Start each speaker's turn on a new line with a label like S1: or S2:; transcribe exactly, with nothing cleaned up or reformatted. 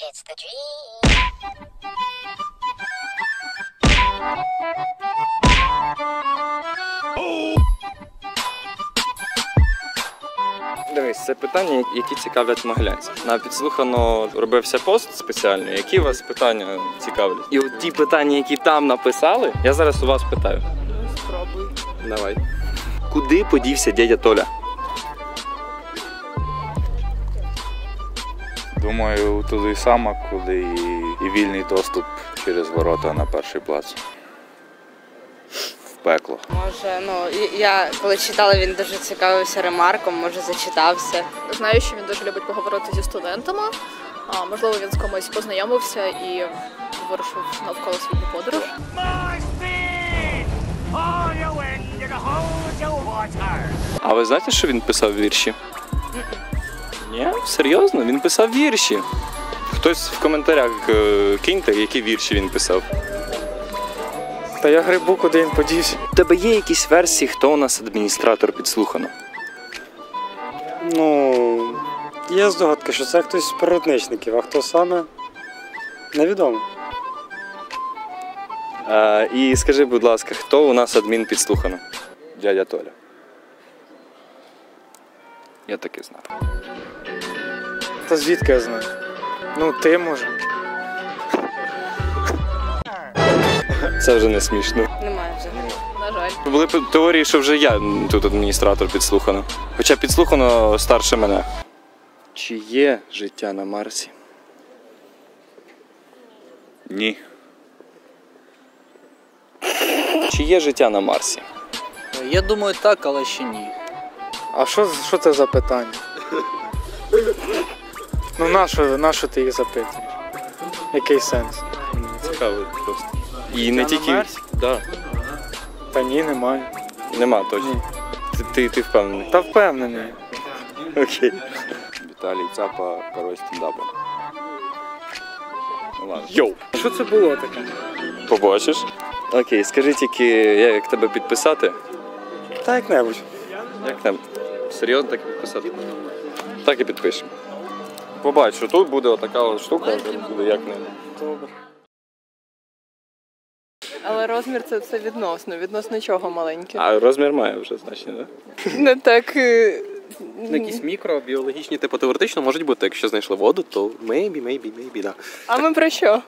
S1: It's the dream.
S2: Дивись, це питання, які цікавлять могилянців. На підслухано робився пост спеціальний, які вас питання цікавлять. І от ті питання, які там написали, я зараз у вас питаю.
S3: Спробуй.
S2: Давай. Куди подівся дядя Толя?
S4: Думаю, туди саме, куди і, і вільний доступ через ворота на перший плац. В пекло.
S5: Може, ну, я коли читала, він дуже цікавився ремарком, може зачитався.
S3: Знаю, що він дуже любить поговорити зі студентами. А, можливо, він з комусь познайомився і вирушив навколо світу подорож.
S2: А ви знаєте, що він писав вірші? Ні? Серйозно? Він писав вірші. Хтось в коментарях е, киньте, які вірші він писав.
S6: Та я грибу, куди він подівся.
S2: У тебе є якісь версії, хто у нас адміністратор підслухано?
S6: Ну, є здогадка, що це хтось з природничників, а хто саме, невідомо.
S2: А, і скажи, будь ласка, хто у нас адмін підслухано?
S4: Дядя Толя.
S2: Я так і знав.
S6: Та звідки я знаю? Ну, ти, може.
S2: Це вже не смішно.
S5: Немає взагалі.
S3: На жаль.
S2: Були б теорії, що вже я тут адміністратор підслухано. Хоча підслухано старше мене. Чи є життя на Марсі?
S4: Ні.
S2: Чи є життя на Марсі?
S7: Я думаю, так, але ще ні.
S6: А що, що це за питання? Ну, нащо, нащо ти їх запитуєш? Який сенс?
S2: Цікаво просто. І не
S6: на
S2: тільки.
S6: Марсі?
S2: Да.
S6: Та ні, немає.
S2: Нема точно.
S6: Ні.
S2: Ти, ти, ти впевнений?
S6: Та впевнений.
S2: Окей.
S4: Віталій Цапа, король стендапу. Ну ладно.
S2: Йоу!
S6: Що це було таке?
S2: Побачиш? Окей, скажи тільки, як тебе підписати?
S6: Та як-небудь.
S2: Як там? Серйозно так і підписати? Так і підпишемо. Побач, що тут буде отака от штука, тут буде як не.
S6: Добре.
S8: Але розмір це все відносно, відносно чого маленьке.
S2: А розмір має вже значення, так?
S8: Не так. е,
S9: Якісь мікробіологічні, типу теоретично можуть бути, якщо знайшли воду, то maybe, maybe, maybe, да.
S8: А ми про що?